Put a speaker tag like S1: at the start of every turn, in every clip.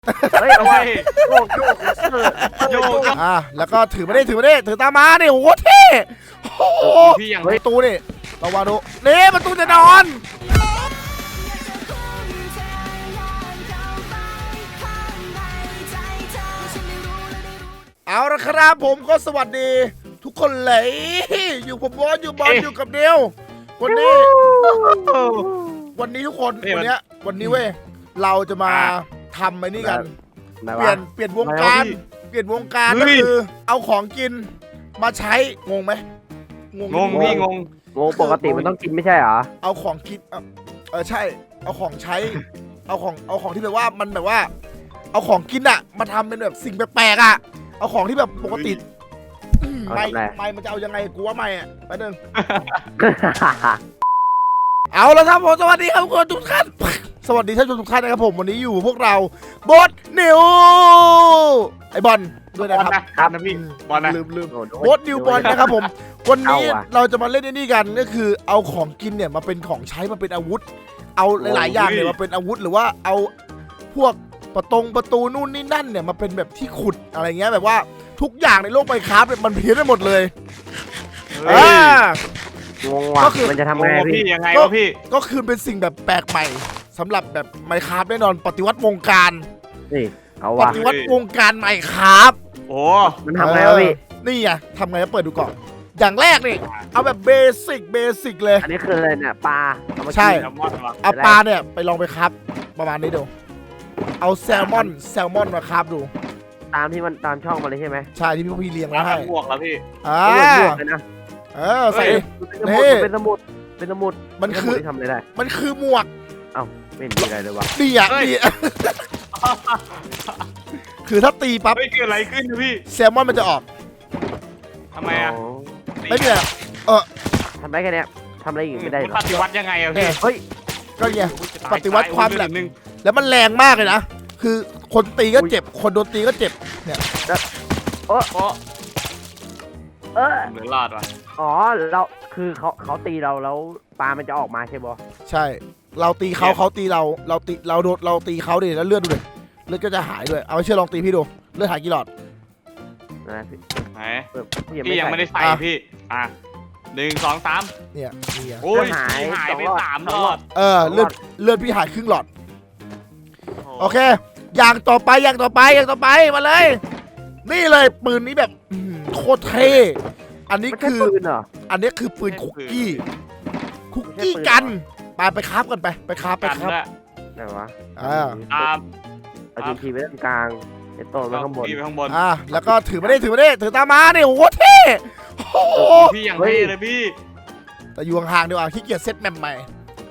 S1: เฮ้ยเอาไว้โยก
S2: โยก
S1: แล้วก็ถือไม่ได้ถือตามมาเนี่ยโอ้โหเท่โอ้โห
S2: พี่อย่าง
S1: ประตูนี่ระวังดูนี่ประตูจะนอน เอาละครับผมก็สวัสดีทุกคนเลยอยู่ผมบอสอยู่บอลอยู่กับเดียววันนี้ทุกคนวันนี้เว้ยเราจะมาทำไอ้นี่กันเปลี่ยนวงการก็คือเอาของกินมาใช้งงไหม
S2: งงพี่งง
S3: ปกติมันต้องกินไม่ใช่เหรอ
S1: เอาของกินใช่เอาของใช้เอาของที่แบบว่ามันแบบว่าเอาของกินอะมาทำเป็นแบบสิ่งแปลกๆอะเอาของที่แบบปกติไม่มันจะเอายังไงกูว่าไม่อะไปหนึ่ง เอาแล้วครับผมสวัสดีครับทุกท่านสวัสดีท่านผู้ชมทุกท่านนะครับผมวันนี้อยู่พวกเราบอสนิวไอบอลด้วยนะครับ
S2: ครับนะพี่บอลนะ
S1: ลืมบอสนิวบอลนะครับผมวันนี้เราจะมาเล่นนี่กันก็คือเอาของกินเนี่ยมาเป็นของใช้มาเป็นอาวุธเอาหลายๆอย่างเนี่ยมาเป็นอาวุธหรือว่าเอาพวกประตูนู่นนี่นั่นเนี่ยมาเป็นแบบที่ขุดอะไรเงี้ยแบบว่าทุกอย่างในโลกไมน์คราฟต์เนี่ยมันเพี้ยนไปหมดเลย
S3: งงว่ะมันจะทำไง
S2: พี่
S3: พี่
S2: ยังไงวะพี่
S1: ก็คือเป็นสิ่งแบบแปลกใหม่สำหรับแบบไมน์คราฟต์แน่นอนปฏิวัติวงการ
S3: นี่เอา
S1: ป
S3: ว่ะ
S1: ฏิวัติวงการไมน์คราฟต์
S2: โอ้
S3: มันทำไงวะพี่
S1: นี่ไงทำไงก็เปิดดูก่อนอย่างแรกนี่เอาแบบเบสิกเลย
S3: อันนี้คืออะไรเนี่ยปลาเอามากิน
S1: ใช่
S2: แซลมอนวะ
S1: เอาปลาเนี่ยไปลองไปครับประมาณนี้ดูเอาแซลมอนมาครับดู
S3: ตามที่มันตามช่องมาเลยใช่ไหม
S1: ใช่ที่พี่เลี้ยง
S2: แล้
S1: มาว ให้
S2: บวกแล้วพี่
S3: บวกเลยนะ
S1: ใส่
S3: เป็นสมุด
S1: มันคือ
S3: ทำอะไรได้
S1: มันคือหมวก
S3: ไม่มีอะไรเลยวะ
S1: ดีอ่ะดีคือถ้าตีปั๊บ
S2: เฮ้ยเกิดอะไรขึ้นพี่
S1: แซลมอนมันจะออก
S2: ทำไมอ่ะ
S1: ไม่มีอะไร
S3: ทำได้แค่นี้ทำอะไรอีกไม่ได้หรอ
S2: ปฏิวัติยังไงอะพี่
S3: เฮ้ย
S1: ก็เนี่ยปฏิวัติความแหลมแล้วมันแรงมากเลยนะคือคนตีก็เจ็บคนโดนตีก็เจ็บเนี่ย
S2: โอ้
S3: เออ
S2: เหมือนรอดว่ะ
S3: อ๋อเราคือเขาตีเราแล้วปลามันจะออกมาใช่ปะ
S1: ใช่ เราตีเขาตีเราตีเราตีเขาดิแล้วเลือดดูเลยเลือดก็จะหายด้วยเอาไปเชื่อลองตีพี่ดูเลือดหายกี่หลอด
S3: นะพี่
S2: ไหน
S3: พี่
S2: พี่ยังไม่ได้ใส่พี่1 2 3
S1: เนี่ย
S2: โอ้ยหายไป3 รอด
S1: เลือดพี่หายครึ่งหลอดโอเคอย่างต่อไปมาเลย นี่เลยปืนนี้แบบโคตรเท่อันนี้คือ
S3: ปืนเหรอ
S1: อันนี้คือปืนคุกกี้กันไปคราฟกันไปคราฟ
S2: กันละ
S3: ไหนวะ
S2: ตาม
S3: เอาทีไว้ตรงกลางไอ้โต้ไว้ข้างบน
S2: พี่ไปข้างบน
S1: แล้วก็ถือไม่ได้ถือตามมาเนี่ยโอ้โหเท่โอ้โห
S2: พี่อย่างเท่เลยพี่
S1: แต่อยู่ห่างๆดีกว่าขี้เกียจเซตแมปใหม่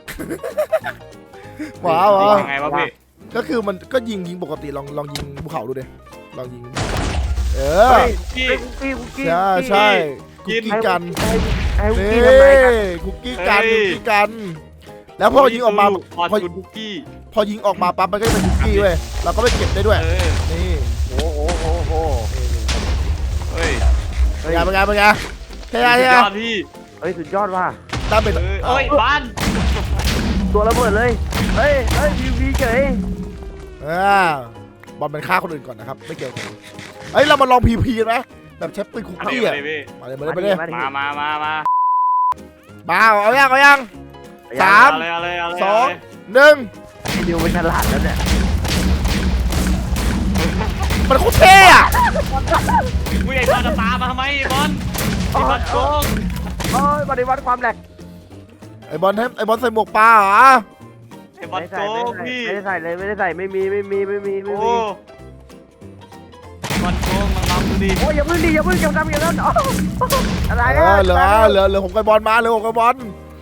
S1: ว้าว
S2: ยังไงวะพี่
S1: ก็คือมันก็ยิงปกติลองยิงภูเขาดูดิลองยิง
S2: พี่
S1: ใช่คุกกี้กัน
S3: ไอ้คุก
S1: นี่
S3: กี้ทำไมครับ
S1: คุกกี้กันแล้วพอยิงออกมา
S2: พอจุดคุกกี้
S1: พอยิงออกมาปั๊บมันก็จะเป็นคุกกี้เว้ยเราก็ไปเก็บได้ด้วยนี่
S3: โอ้โห
S2: เฮ้ย
S1: เป็นไงใช่
S2: สุดยอดพี่
S3: เฮ้ยสุดยอดว่ะ
S1: ตามเป็น
S2: เอ้ยบ้าน
S3: ตัวระเบิดเลยเฮ้ยพีเฉย
S1: บอลเป็นฆ่าคนอื่นก่อนนะครับไม่เกี่ยวกันเรามาลองพีไหมแบบใช้ปืนคุกกี้อ่ะมาเลยเอายัง3 2 1
S3: ไอ้ดิวเป็นฉลาดแล้วเนี่ย
S1: มันโคตรเท่อะ
S2: วิ่งไอ้บอลจะตามมาทำไมบอลไอ้บอลโกง
S3: โอ้ยปฏิวัติความแหลก
S1: ไอบอลใส่หมวกปลาเหรอ
S2: ไอ้บอลโกงพี่
S3: ไม่ได้ใส่เลยไม่ได้ใส่ไม่มี
S2: โอ้บอลโกงน้องๆดูดิ
S3: โอ้ยอย่าพึ่งจำอย่างนั้นอะไร
S1: เหลือผมกับบอลมาเหลือผมกับบอล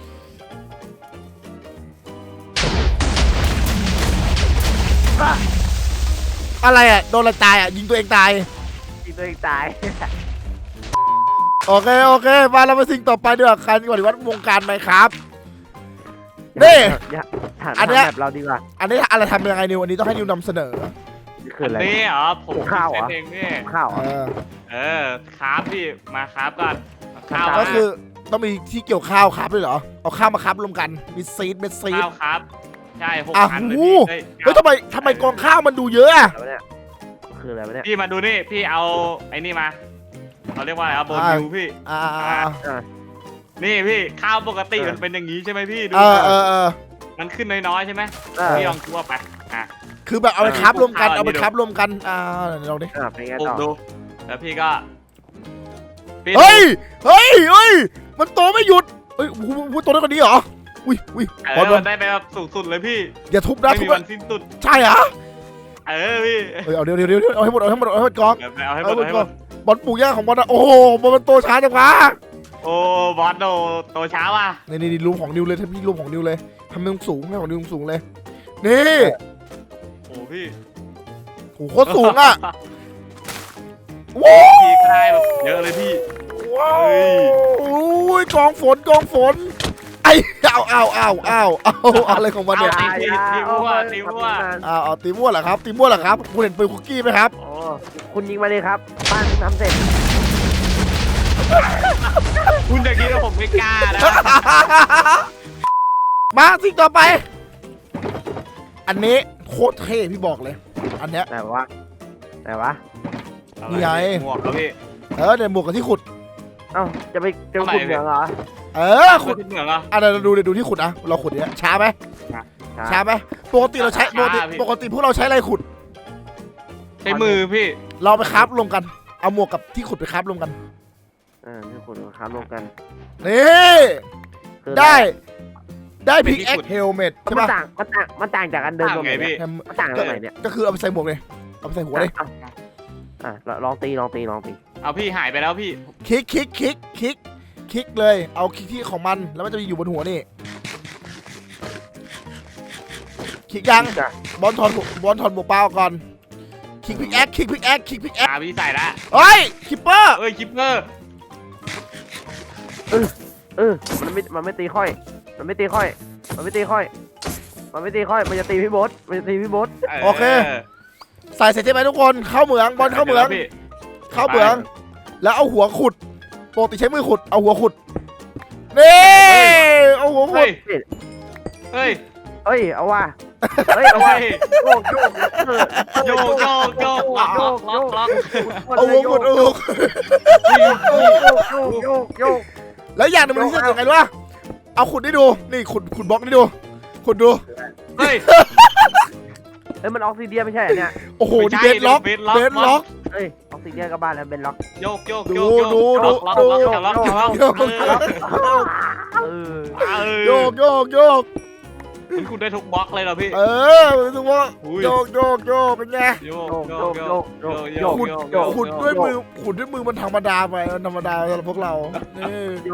S1: อะไรอ่ะโดนอะไรตายอ่ะยิงตัวเองตาย
S3: ยิงตัวเองตาย
S1: โอเคมาเราไปสิ่งต่อไปดีกว่าการปฏิวัติวงการไหมครับนี่อันนี้
S3: แบบเราดีกว่า
S1: อันนี้อะไรทำยังไงนิวอันนี้ต้องให้นิวนำเสนอ
S3: นี่คืออะไร
S2: นี่เหรอผมเซตเองนี่
S3: ข้าว
S2: คราฟพี่มาคราฟก่อนข้าว
S1: ก็คือต้องมีที่เกี่ยวข้าวครับด้วยเหรอเอาข้าวมาครับรวมกันมีซีดเม็ดซีด
S2: ข้าวครับใช่6
S1: อ่ะ
S2: อันเลย
S1: หู
S2: พี่
S1: เฮ้ยทำไมกองข้าวมันดูเยอะอะ
S3: อะไรวะเนี่ยคืออะไรวะเนี่ย
S2: พี่มาดูนี่พี่เอาไอ้นี่มาเขาเรียกว่าอะไรโบนิวพี่
S1: อ่า
S2: นี่พี่ข้าวปกติมันเป็นอย่างนี้ใช่ไหมพี่ดู
S1: มัน
S2: ขึ้นน้อยๆใช่ไหมพี่ลองคั่วไปอ่ะ
S1: คือแบบเอาไปคับรวมกัน
S2: เอา
S1: เอาไป
S2: อันนี้
S1: คับรวมกันเดี๋ยวเราดิ
S3: เป็นไง
S2: ปลู
S3: ต่
S2: ก
S3: อ
S2: ดูแล้วพี่ก็พี่
S1: เฮ้ยมันโตไม่หยุดเฮ้ยพูดโตได้กว่านี้เหรออุ้ยบอล
S2: มันได้ไปแบบสูงสุดเลยพี่
S1: อย่าทุบนะ
S2: ไม่
S1: ทุ
S2: มี
S1: บ
S2: วันสิ้นสุด
S1: ใช่เหรอ
S2: พี่
S1: เฮ้ยเอาเดี๋ยวเอาให้หมดกอง
S2: เอาให้หมดเอาให้หมด
S1: บอลปลูกยากของบอลนะโอ้โหบอลมันโตช้าจังวะ
S2: โอ้บอสโตช้าว่ะ
S1: นี่รูมของนิวเลยถ้าพี่รูมของนิวเลยทำให้มันสูงให้ของนิวสูงเลยนี่
S2: โอ้พี่
S1: โหโคตรสูงอ่ะว้าว
S2: พี่ก็ได้แบบเยอะเลยพี่
S1: ว้า
S2: เฮ้ย
S1: วโอ้ยกองฝนไอ้เอาอะไรของมันเนี่ย
S2: ตีมั่ว
S1: เอาตีมั่วเหรอครับตีมั่วเหรอครับคุณเห็นปืนคุกกี้ไหมครับ
S3: โอ้คุณยิงมาเลยครับบ้านทำเสร็จ
S2: คุณจะคิดว่าผมไม่กล้านะ
S1: มาสิ่งต่อไป อันนี้โคตรเท่พี่บอกเลย อันเนี้ย
S3: ไหนวะ
S1: นี่ไง
S2: หมวกครับพี่
S1: เนี่ยหมวกกับที่ขุด
S3: เอ้าจะไปขุดเหมืองเหรอ
S1: ขุด
S2: เหมืองเหรอ
S1: เราดูที่ขุดนะเราขุดเนี้ยช้าไหมช้าไหมปกติเราใช้ปกติพวกเราใช้อะไรขุด
S2: ใช้มือพี่
S1: เราไปคราฟรวมกันเอาหมวกกับที่ขุดไปคราฟรวมกัน
S3: ที่ขุดค้ารวมกัน
S1: นี่ได้พิกแอคเฮลเมตใช่
S3: มัน
S1: ปะ
S3: ต่างจากอันเดิมตรงไหน
S2: ต่างไงพี่
S3: เนี่ยมันต่างตรงไหนเนี่ย
S1: ก็คือเอาไปใส่หมวกเลยเอาไปใส่หัวเลย
S3: ลองตี
S2: เอาพี่หายไปแล้วพี่
S1: คลิกเลยเอาคลิกที่ของมันแล้วมันจะอยู่บนหัวนี่คลิกยังบอลถอดหมวกเปล่าก่อนคลิกพิกแอค
S2: พี่ใส่ละ
S1: เฮ้ยคิปเปอร์
S2: คิปเปอร์
S3: มันไม่ตีค่อย มันจะตีพี่โบ๊ท
S1: ใส่เสร็จใช่ไหมทุกคนเข้าเหมืองบอลเข้าเหมืองแล้วเอาหัวขุดปกติใช้มือขุดเอาหัวขุดนี่เอาหัวขุด
S2: เฮ้ย
S3: เอาว่ะ โยก
S2: ล็อก
S1: เอาหัวขุดแล้วอย่างหนึงมันพิเศษยังไงรู้ป่ะเอาขุดได้ดูนี่ขุดบล็อกได้ดูขุดดู
S2: เฮ้ย
S3: มันออกซิเดียไม่ใช่เนี่ย
S1: โอ้โหนี่เบสล็อก
S3: ออกซิเดียก็บ้านแล้วเบนล็อก
S2: โยก
S1: โยก
S2: มันคุณได้ทุกบล็อกเลยเหรอพี่
S1: รู้สึกว่าโยกเป็นไงขุดด้วยมือมันธรรมดาไปมันธรรมดาสำหรับพวกเรานี่
S3: โย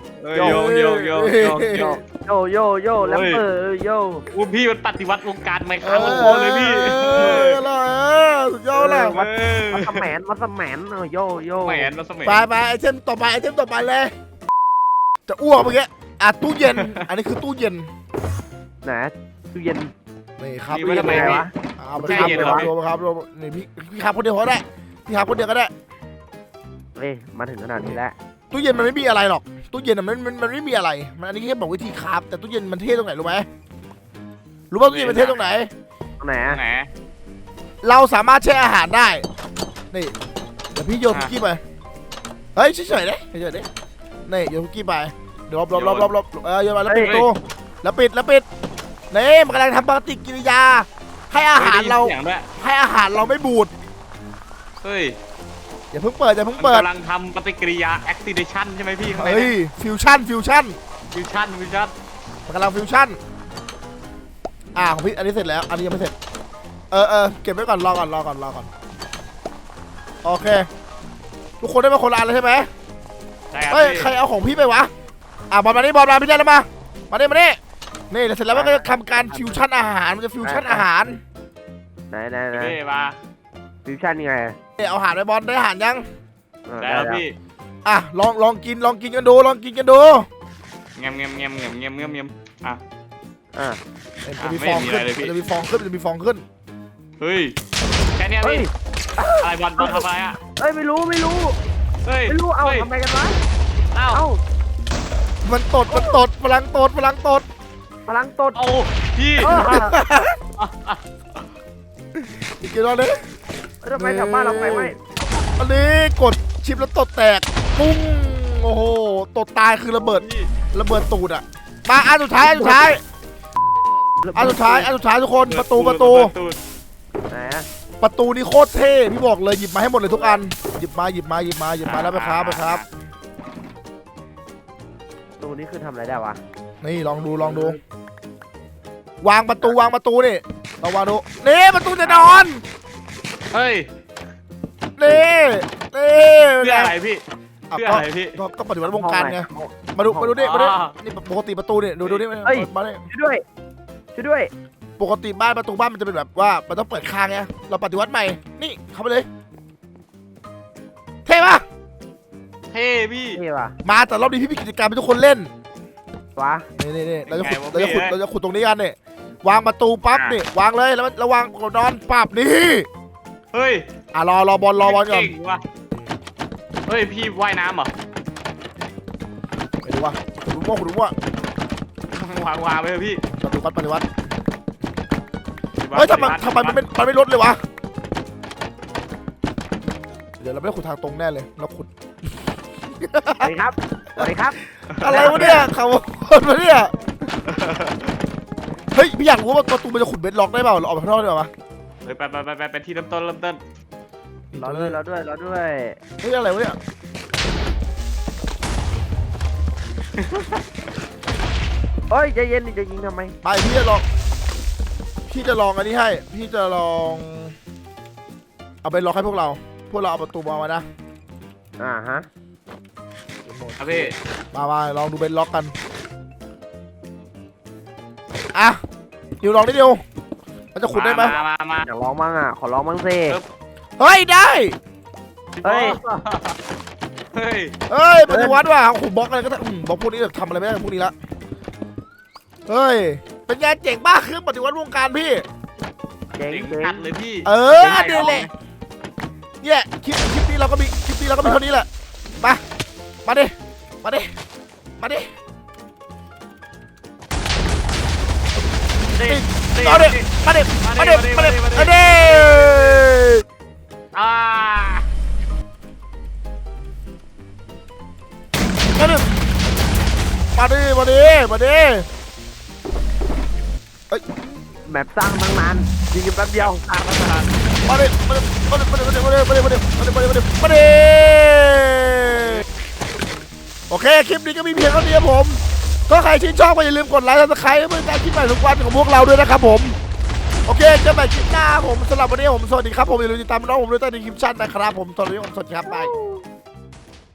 S3: แล้ว
S2: พี่มันปฏิวัติวงการไมค์ครับเลยพี่
S1: สุดยอดเลย
S3: มัสแมนโย
S2: แหมนมาสมัย
S1: ไปไอเทมต่อไปเลยจะอ้วกเมื่อกี้ตู้เย็นอันนี้คือตู้เย็น
S3: นะตู้เย็น
S1: นี่ครับ
S2: ไว้ทำไมวะ
S1: เอาไปครับรวมนี่พี่ครับคนเดียวก็ได้พี่ครับคนเดียวก็ได้
S3: มาถึงขนาดนี้แล้ว
S1: ตู้เย็นมันไม่มีอะไรหรอกตู้เย็นมันไม่มีอะไรมันอันนี้แค่บอกวิธีครับแต่ตู้เย็นมันเท่ตรงไหนรู้ไหมรู้ป่ะตู้เย็นมันเท่ตรงไหน
S2: ไหน
S1: เราสามารถแช่อาหารได้นี่เดี๋ยวพี่โยนคุกกี้ไปเฮ้ยเฉยๆดินี่โยนคุกกี้ไปเดี๋ยวรอบโยนมาแล้วปิดตู้แล้วปิดนี่มันกำลังทำปฏิกิริยาให้อาหารเราไม่บูด
S2: เฮ้ย
S1: อย่าเพิ่งเปิด
S2: กำลังทำปฏิกิริยา activation ใช่ไหมพี่ข้างใน
S1: เฮ้ยฟิวชั่นมันกำลังฟิวชั่นของพี่อันนี้เสร็จแล้วอันนี้ยังไม่เสร็จเก็บไว้ก่อนรอก่อนโอเคทุกคนได้มาคนละอันแล้วใช่ไหม เฮ้ยใครเอาของพี่ไปวะบอลมาพี่ได้แล้วมานี่นี่เสร็จแล้วมันก็จะทำการฟิวชั่นอาหารมันจะฟิวชั่นอาหาร
S3: ไหน
S2: มา
S3: ฟิวชั่นยังไง
S1: เอาอาหารไปบอลได้อาหารยัง
S2: แล้วพี่
S1: ลองกินกันดู
S2: เงียบ
S1: จะมีฟองขึ้น
S2: เฮ้ยแค่นี้พี่อะไรบอลทำอะไรอ่ะ
S3: ไม่รู้เอาทำไมกันวะมัน
S1: มันตดพลังตด
S2: โอ้พี่
S1: อีกกี่รอบเลย
S3: ทำไมแถวบ้านเราไฟไหม้
S1: อันนี้กดชิปแล้วตดแตกปุ้งโอ้โหตดตายคือระเบิดตูดอ่ะมาอันสุดท้ายทุกคนประตู
S3: ไหน
S1: ประตูนี่โคตรเท่พี่บอกเลยหยิบมาให้หมดเลยทุกอันหยิบมาแล้วไปครับ
S3: ตูนี้คือทำอะไรได้วะ
S1: นี่ลองดูวางประตูนี่เราวางดูนี่ประตูจะนอน
S2: เฮ้ย
S1: นี่
S2: เพื่ออะไรพี่
S1: อ่ะ
S2: เพื่ออะไรพี่
S1: ก็ปฏิวัติวงการไงมาดูนี่นี่ปกติประตูนี่ดูนี่มาเนี่ย
S3: ช่วยด้วย
S1: ปกติประตูบ้านมันจะเป็นแบบว่ามันต้องเปิดค้างไงเราปฏิวัติใหม่นี่เข้าไปเลยเท่ปะ
S2: เท่พี่
S3: นี่ว่ะ
S1: มาแต่รอบนี้พี่มีกิจกรรมให้ทุกคนเล่น
S3: วะ
S1: นี่เราจะขุดตรงนี้กันเนี่ยวางประตูปั๊บนี่วางเลยแล้วระวังนอนปั๊บนี่
S2: เฮ้ย
S1: รอบอลก่อน
S2: เก่งว่ะเฮ้ยพี่ว่ายน้ำเหรอ
S1: ไปดูว่าขุดมั่ว
S2: วางไปเถอะพี่
S1: ปฏิวัติเฮ้ยทำไมมันไม่ลดเลยวะเดี๋ยวเราไม่ได้ขุดทางตรงแน่เลยเราขุด
S3: สวัสดีครับ
S1: อะไรวะเนี่ยเขาคนวะเนี่ยเฮ้ยพี่อยากรู้ว่าประตูมันจะขุดเบสล็อกได้เปล่าเราออกไปข้างนอกได้ป่ะ
S2: เฮ้ยไปที่เริ่มต้น
S3: รอด้วย
S1: เฮ้ยอะไรวะเนี่ย
S3: เฮ้ยใจเย็นดิจะยิงทำไม
S1: ไปพี่จะลองอันนี้ให้พี่จะลองเอาเบสล็อกให้พวกเราเอาประตูมานะ
S3: ฮะ
S2: ครับพี่
S1: มาลองดูเบสล็อกกันอ่ะดิวลองนิดเดียวมันจะขุดได้ไหม
S2: มา
S3: อยากร้องมั่งอ่ะขอร้องมั่งสิ
S1: เฮ้ยได้
S3: เฮ้ย
S1: ปฏิวัติว่ะขุดบล็อกอะไรก็ได้บล็อกพวกนี้แบบทำอะไรไม่ได้พวกนี้ละเฮ้ยเป็นไงเจ๋งมากคือปฏิวัติวงการพี่
S3: เจ๋ง
S2: ขัดเลยพี่
S1: นี่แหละเนี่ยคลิปนี้เราก็มีเท่านี้แหละมาดิเอาดิมาดิ
S2: อ่า
S3: แมปสร้างตั้งนานยิงกันแป๊บเดียว
S2: ทางรัฐบาล
S1: มาดิโอเคคลิปนี้ก็มีเพียงเท่านี้ครับผมก็ใครชื่นชอบก็อย่าลืมกดไลค์และซับสไครต์เพื่อเป็นการคลิปใหม่ทุกวันของพวกเราด้วยนะครับผมโอเคเจอกันใหม่คลิปหน้าผมสำหรับวันนี้ผมสวัสดีครับผมอย่าลืมติดตามน้องผมด้วยใต้ในคลิปชั่นนะครับผมตอนนี้ผมสวัสดีครับบาย